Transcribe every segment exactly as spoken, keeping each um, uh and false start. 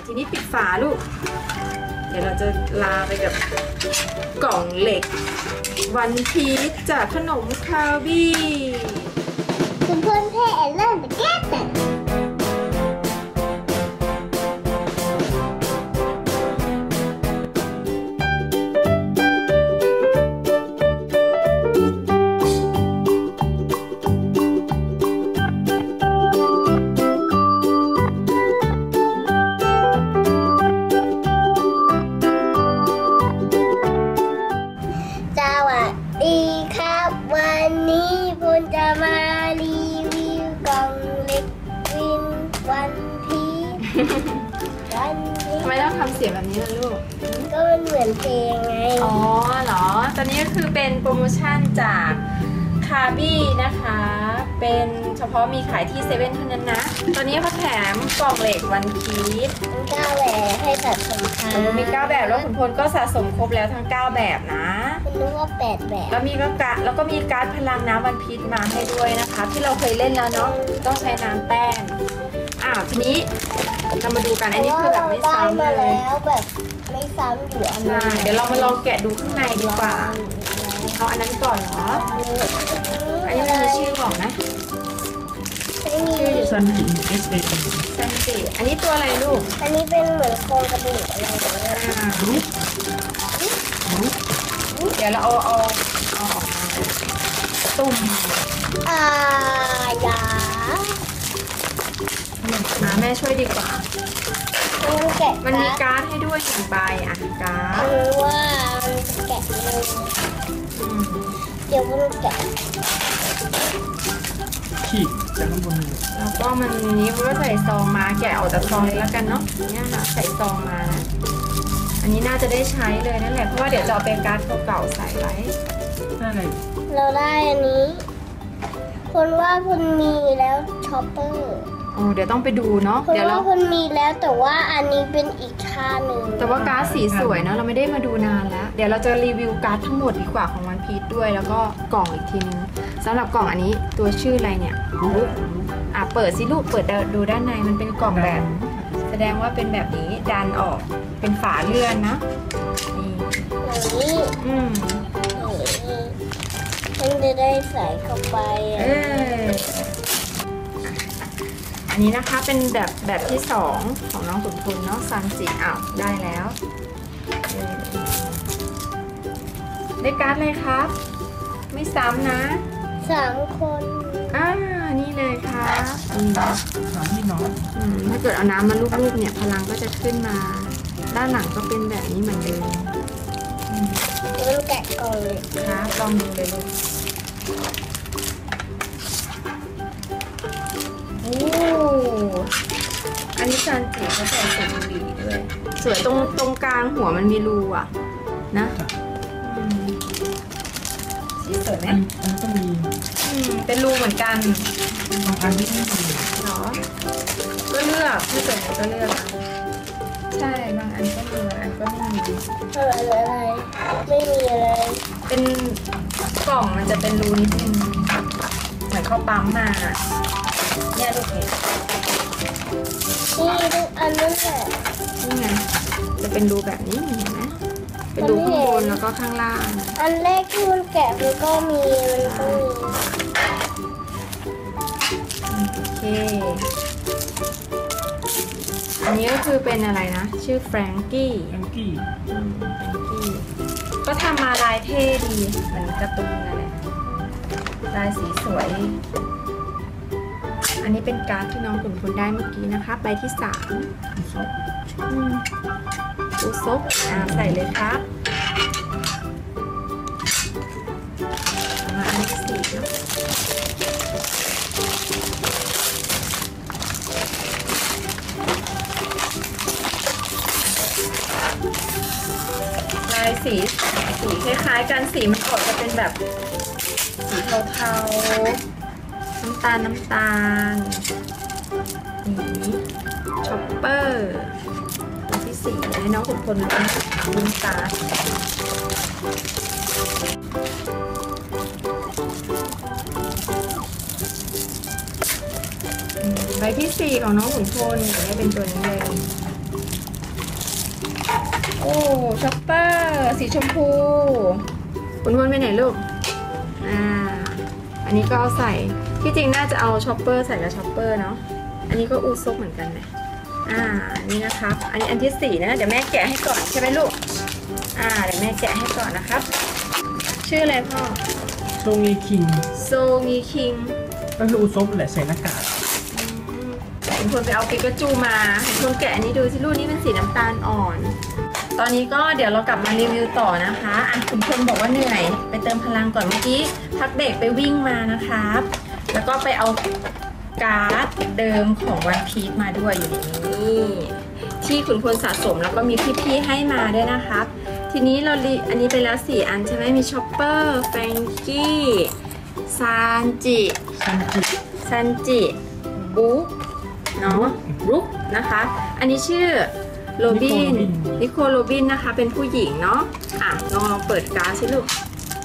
ทีนี้ปิดฝาลูกเดี๋ยวเราจะลาไปกับกล่องเหล็กวันพีชจากขนมคาบี้คุณเพื่อนเพ่เริ่มไปแก้แต่วันนี้ปุณจะมารีวิวกล่องเล็กวินวันพีชวันพีชทำไมต้องทำเสียงแบบนี้ล่ะลูกก็มันเหมือนเพลงไงอ๋อเหรอตอนนี้ก็คือเป็นโปรโมชั่นจากคาบี้นะคะเป็นเฉพาะมีขายที่เซเว่นเท่านั้นนะตอนนี้เขาแถมกล่องเหล็กวันพีชเก้าแบบให้สะสมค่ะมีเก้าแบบแล้วขุนพลก็สะสมครบแล้วทั้งเก้าแบบนะคุณรู้ว่าแปดแบบแล้วมีก็การแล้วก็มีการ์ดพลังน้ำวันพีชมาให้ด้วยนะคะที่เราเคยเล่นแล้วเนาะต้องใช้น้ำแป้งอ่าทีนี้เรามาดูกันอันนี้คือแบบไม่ซ้ำเลยแล้วแบบไม่ซ้ำอยู่อันนี้เดี๋ยวเรามาลองแกะดูข้างในดีกว่าเอาอันนั้นก่อนเหรออันนี้มันมีชื่อบอกนะชื่อซันจิเอสเอซันจิอันนี้ตัวอะไรลูกอันนี้เป็นเหมือนโครงกระดูกอะไรแบบนี้เดี๋ยวเราเอาเอาเอาออกมาตุ่มอ่ายามาแม่ช่วยดีกว่ามันแกะมันมีการ์ดให้ด้วยหนึ่งใบอ่ะการ์ดคือว่ามันจะแกะเลยเดี๋ยวมันแกะขีดจากข้างบนแล้วก็มันนี้มันก็ใส่ซองมาแกะออกจากซองเลยแล้วกันเนาะเนี่ยค่ะใส่ซองมานะอันนี้น่าจะได้ใช้เลยนั่นแหละเพราะว่าเดี๋ยวจะเอาเป็นการ์ดเก่าๆใส่ไว้ได้เลยเราได้อันนี้คนว่าคุณมีแล้วช็อปเปอร์โอ้เดี๋ยวต้องไปดูเนาะเดี๋ยวเราคนมีแล้วแต่ว่าอันนี้เป็นอีกค่าหนึ่งแต่ว่าการ์ดสีสวยเนาะเราไม่ได้มาดูนานแล้วเดี๋ยวเราจะรีวิวการ์ดทั้งหมดดีกว่าของวันพีชด้วยแล้วก็กล่องอีกทีนึงสำหรับกล่องอันนี้ตัวชื่ออะไรเนี่ยอ่ะเปิดสิลูกเปิดดูด้านในมันเป็นกล่องแบบแสดงว่าเป็นแบบนี้ดันออกเป็นฝาเลื่อนนะนี่อืมมันจะได้ใส่เข้าไปเอออันนี้นะคะเป็นแบบแบบที่สองของน้องขุนพลเนาะซันจิอ้าวได้แล้วได้การ์ดเลยครับไม่ซ้ำนะสามคนอ่านี่เลยครับสามพี่น้องถ้าเกิดเอาน้ำมาลูบๆเนี่ยพลังก็จะขึ้นมาด้านหลังก็เป็นแบบนี้เหมือนเดิมมันแกะกล่องเลยครับลองดูเลยลูกโอ้อันนี้ซันจิเขาใส่ใส่บุหรี่ด้วยสวยตรงตรงกลางหัวมันมีรูอ่ะนะสีสวยไหมอันก็มีเป็นรูเหมือนกันบางอันไม่มีเนาะก็เลือกถ้าเกิดก็เลือกใช่บางอันก็มีบางอันก็ไม่มีอะไรอะไรไม่มีอะไรเป็นกล่องมันจะเป็นรูนิดนึงเหมือนเขาปั๊มมาเนี่ยลูกเห็นนี่ทุกอันนั่นแหละนี่ไงจะเป็นรูแบบนี้เห็นไหมเป็นรูข้างบนแล้วก็ข้างล่างอันแรกที่มันแกะมันก็มีมันก็มีโอเคอันนี้ก็คือเป็นอะไรนะชื่อแฟรงกี้แฟรงกี้แฟรงกี้ก็ทำมาลายเท่ดีเหมือนการ์ตูนอะไรลายสีสวยอันนี้เป็นการ์ดที่น้องขุนพลได้เมื่อกี้นะคะใบที่สามอุซบอ่าใส่เลยครับมาอันที่สี่เนาะลายสีสีคล้ายๆกันสีมันออกจะเป็นแบบสีเทาๆน้ำตาลน้ำตาลนี่ช็อปเปอร์ตัวที่สี่ให้น้องขุนพลลุ้นตาใบที่สี่ของน้องขุนพลนี่เป็นตัวนี้เลยโอ้ช็อปเปอร์สีชมพูคุณพลไปไหนลูกอ่าอันนี้ก็เอาใส่ที่จริงน่าจะเอาช็อปเปอร์ใส่กับช็อปเปอร์เนาะอันนี้ก็อูซบเหมือนกันนะอ่านี่นะครับอันนี้อันที่สี่นะเดี๋ยวแม่แกะให้ก่อนใช่ไหมลูกอ่าเดี๋ยวแม่แกะให้ก่อนนะครับชื่ออะไรพ่อโซงีคิงโซงีคิงก็คืออุซบแหละใส่หน้ากากคุณพลไปเอาปิกาจูมาคุณพลแกะอันนี้ดูสิลูกนี่เป็นสีน้ำตาลอ่อนตอนนี้ก็เดี๋ยวเรากลับมารีวิวต่อนะคะอ่ะคุณพลบอกว่าเหนื่อยไปเติมพลังก่อนเมื่อกี้พักเบรกไปวิ่งมานะครับแล้วก็ไปเอาการ์ดเดิมของวันพีชมาด้วยอยู่ในนี้ที่คุณพลสะสมแล้วก็มีพี่ๆให้มาด้วยนะครับทีนี้เราลีอันนี้ไปแล้วสี่อันใช่ไหมมีชอปเปอร์แฟรงกี้ซานจิซันจิซันจิบุ๊กเนาะบุ๊กนะคะอันนี้ชื่อโรบินนิโคลโรบินนะคะเป็นผู้หญิงเนาะอ่ะลองลองเปิดการ์ดสิลูก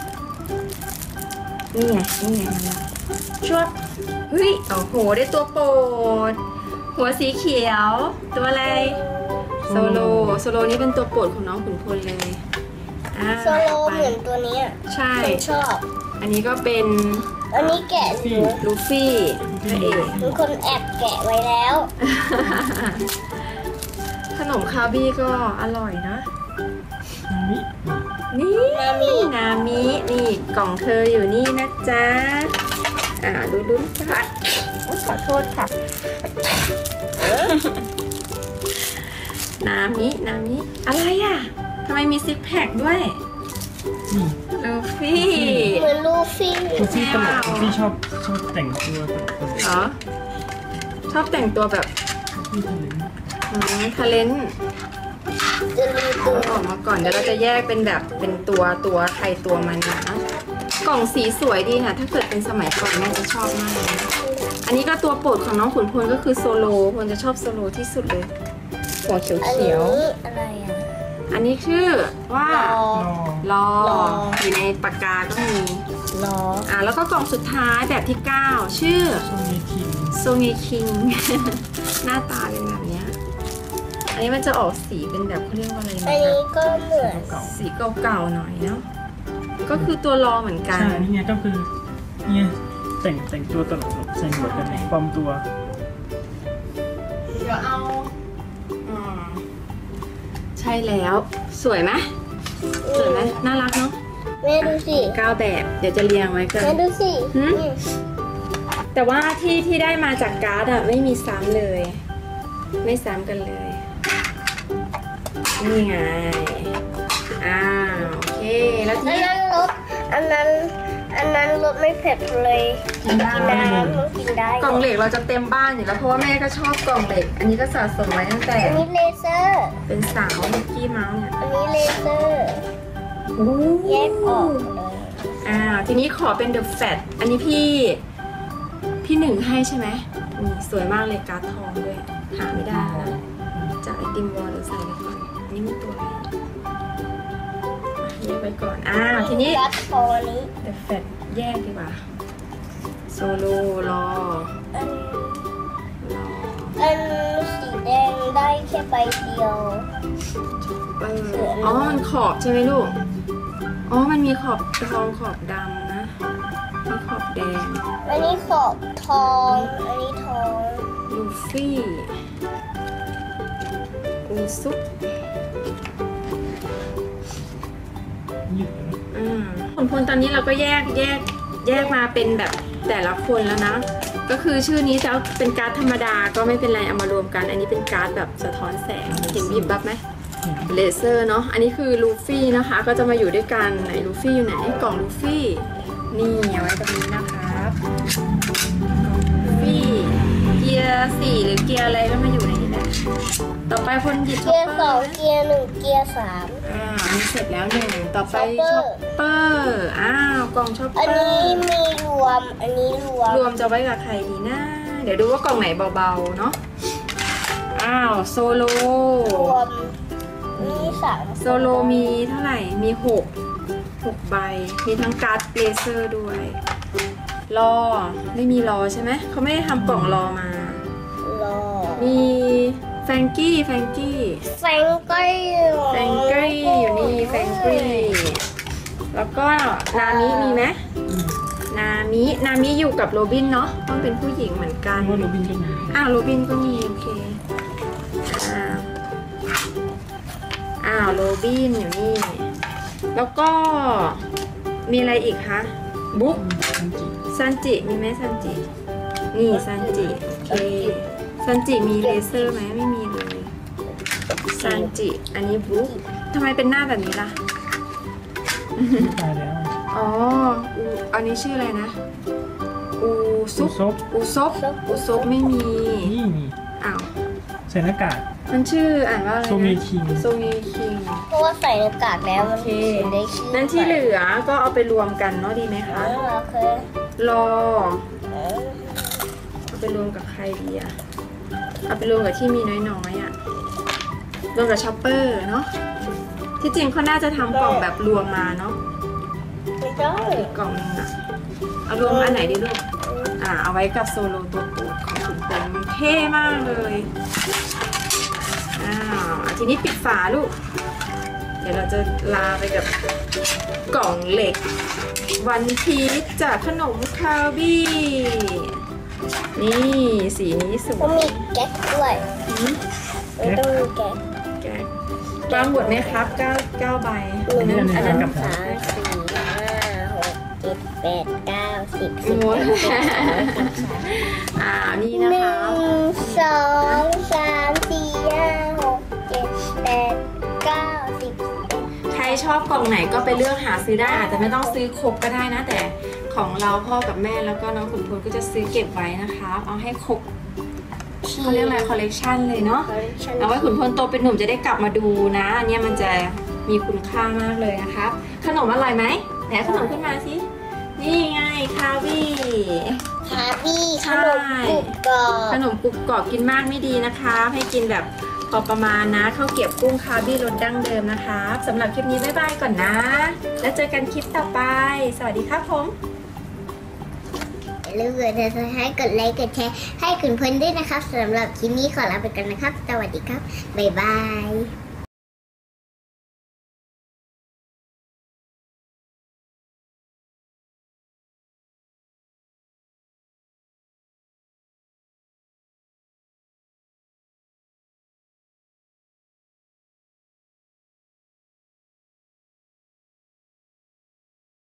นี่ไงนี่ไงมันละชวบเฮ้ยโอ้โหได้ตัวโปรดหัวสีเขียวตัวอะไรโซโลโซโลนี่เป็นตัวโปรดของน้องขุนพลเลยอ่าโซโลไปเหมือนตัวเนี้ยใช่ผมชอบอันนี้ก็เป็นอันนี้แกะอยู่ลูฟี่พระเอกมีคนแอบแกะไว้แล้วขนมคาบี้ก็อร่อยนะนามินี่นามินามินี่กล่องเธออยู่นี่นะจ๊ะอ่าดูดูค่ะโอ๊ยขอโทษค่ะ นามินามิอะไรอ่ะทำไมมีซิกแพคด้วยนี่ลูฟี่เหมือนลูฟี่ลูฟี่ตลกลูฟี่ชอบชอบแต่งตัวตลกตลกเหรอชอบแต่งตัวแบบลูฟี่ทะเลทาเลนจะรีตัวออกมาก่อนเดี๋ยวเราจะแยกเป็นแบบเป็นตัวตัวใครตัวมันนะกล่องสีสวยดีค่ะถ้าเกิดเป็นสมัยก่อนแม่จะชอบมากเลยนะอันนี้ก็ตัวโปรดของน้องขุนพลก็คือโซโลพลจะชอบโซโลที่สุดเลยหัวเขียวอันเขีนี้ยวอะไรอ่ะอันนี้ชื่อว่ารอรอรอรออยู่ในปากกาก็มีรออ่าแล้วก็กล่องสุดท้ายแบบที่เก้าชื่อโซงีคิงโซเงคิง หน้าตาเป็นแบบเนี้ยอันนี้มันจะออกสีเป็นแบบเขาเรียกว่าอะไรอันนะนี้ก็เหมือนเก่าสีเก่าๆหน่อยเนาะก็คือตัวรอเหมือนๆกันใช่นี่ไงก็คือเนี่ยแต่งแต่งตัวตลกๆใส่หมวกกันน็อกปลอมตัวเดี๋ยวเอาอืมใช่แล้วสวยไหมสวยไหมน่ารักเนาะแม่ดูสิเก้าแบบเดี๋ยวจะเรียงไว้กันแม่ดูสิหืมอืมแต่ว่าที่ที่ได้มาจากการ์ดอะไม่มีซ้ำเลย ไม่ซ้ำกันเลย นี่ไงอ่าโอเคแล้วทีอันนี้นั้นรสอันนั้น อันนั้นรสไม่เผ็ดเลยกินได้กินน้ำมันกินได้กล่องเหล็กเราจะเต็มบ้านอยู่แล้วเพราะว่าแม่ก็ชอบกล่องเหล็ก อันนี้ก็สะสมไว้ตั้งแต่อันนี้เลเซอร์เป็นสาวมิกกี้เมาส์เนี่ยอันนี้เลเซอร์ แยกออกเลยอ่าทีนี้ขอเป็น The Fat อันนี้พี่ พี่หนึ่งให้ใช่ไหมนี่สวยมากเลยการ์ดทองด้วย หาไม่ได้นะจากไอติมวอลเราใส่ไปก่อนอันนี้มีตัวอะไรอ่ะแยกไปก่อนอ่าทีนี้รัดคอนี้ The Fat แยกดีกว่าโซโลรออันรออันสีแดงได้แค่ใบเดียวเอออ๋อมันขอบใช่ไหมลูกอ๋อมันมีขอบทองขอบดำนะมีขอบแดงอันนี้ขอบทอง อันนี้ทองลูฟี่อูซุปยืดนะอืมผลพลตอนนี้เราก็แยกแยกแยกมาเป็นแบบแต่ละคนแล้วนะ ก็คือชื่อนี้จะเป็นการ์ดธรรมดาก็ไม่เป็นไรเอามารวมกัน อันนี้เป็นการ์ดแบบสะท้อนแสงเห็นบีบบับไหมเลเซอร์เนาะอันนี้คือลูฟี่นะคะ ก็จะมาอยู่ด้วยกันไหนลูฟี่อยู่ไหนกล่องลูฟี่นี่เอาไว้ตรงนี้นะครับลูฟี่เกียร์สี่หรือเกียร์อะไรก็มาอยู่ในนี้แหละต่อไปคนหยิบช็เกีอย ปร์เปสอองร์เกียร์หนึ่งเกียร์สามอ่าอันนี้เสร็จแล้วหนึ่งต่อไปช็ช็ออปปเปเปออร์ร์อ้าวกล่องช็อปเปอันอนี้ร์มีรวม อันนี้รวมรวมจะไว้กับใครดีนะ เดี๋ยวดูว่ากล่องไหนเบาๆเนาะอ้าวโซโลรวมนี่สามโซโลมีเท่าไหร่มีหกหกใบมีทั้งการ์ดเลเซอร์ด้วยรอไม่มีรอใช่ไหมเขาไม่ได้ทำกล่องรอมารอมีแฟแฟรงกี้แฟรงกี้แฟรงกี้แฟรงกี้อยู่นี่แฟรงกี้แล้วก็นามิมีไหมอืมนามินามิอยู่กับโรบินเนาะต้องเป็นผู้หญิงเหมือนกันว่าโรบินก็มีอ้าวโรบินก็มีโอเคอ้าวอ้าวโรบินอยู่นี่ แล้วก็มีอะไรอีกคะบุ๊กอืมจริงซันจิมีไหมซันจินี่ซันจิโอเคซันจิมีเลเซอร์ไหมไม่มีเลยซันจิอันนี้บุ๊กทำไมเป็นหน้าแบบนี้ล่ะๆตายแล้วอ๋ออูอันนี้ชื่ออะไรนะ อูซุซุปปซบอูซบอูซบไม่มีนี่นี่อ้าวใส่หน้ากากมันชื่ออ่านว่าอะไรนะโซมีคิงโซมีคิงเพราะว่าใส่หน้ากากแล้วโอมันเคถึงได้ชื่อนั้นที่เหลือก็เอาไปรวมกันเนาะดีไหมเอคะอโอเครอเออเอาไปรวมกับใครดีอะเอาไปรวมกับที่มีน้อยๆอะรวมกับช็อปเปอร์เนาะที่จริงเขาน่าจะทำกล่องแบบรวมมาเนาะไม่ได้อีกกล่องนึงอะเอารวมอันไหนดีลูก อ่าเอาไว้กับโซโลตัวโปรดของคุณเป็นมันเท่มากเลยอ้าวอ่ะทีนี้ปิดฝาลูก เดี๋ยวเราจะลาไปกับกล่องเหล็ก วันพีชจากขนมคาบี้ นี่สีนี้สก็วยมีแก๊กด้วยอืมไม่ต้องมีแก๊กแกะวางหมดไหมครับเก้าเก้าใบหนึ่งอันสนั้อน งอันนั้นสามสี่ห้าหกเจ็ดแปดเก้าสิบสิบหมเอ็ดดสิบสองสิบสามอ่านี่หนะนึ่คะงสองสามสี่ห้าหกเจ็ดแปดเก้าสิบใครชอบกล่องไหนก็ไปเลือกหาซื้อได้อาจจะไม่ต้องซื้อครบก็ได้นะ แต่ของเราพ่อกับแม่แล้วก็น้องขุนพลก็จะซื้อเก็บไว้นะคะเอาให้ครบเขาเรียกอะไรคอลเลกชันเลยเนาะเอาไว้ขุนพลโตเป็นหนุ่มจะได้กลับมาดูนะอันเนี้ยมันจะมีคุณค่ามากเลยนะคะขนมอร่อยไหมไหนขนมขึ้นมาสินี่ไงคาวี่คาบี้ขใช่นมกรุบกรอบขนมกรุบกรอบกินมากไม่ดีนะคะให้กินแบบพอประมาณนะข้าวเกรี๊ยวกุ้งคาร์บี้รสดั้งเดิมนะคะสำหรับคลิปนี้บ๊ายบายก่อนนะ แล้วเจอกันคลิปต่อไป สวัสดีครับผมอย่าลืมกดติดตามให้กดไลค์กดแชร์ให้คุณพลด้วยนะครับสำหรับคลิปนี้ขอลาไปก่อนนะครับ สวัสดีครับ บ๊ายบาย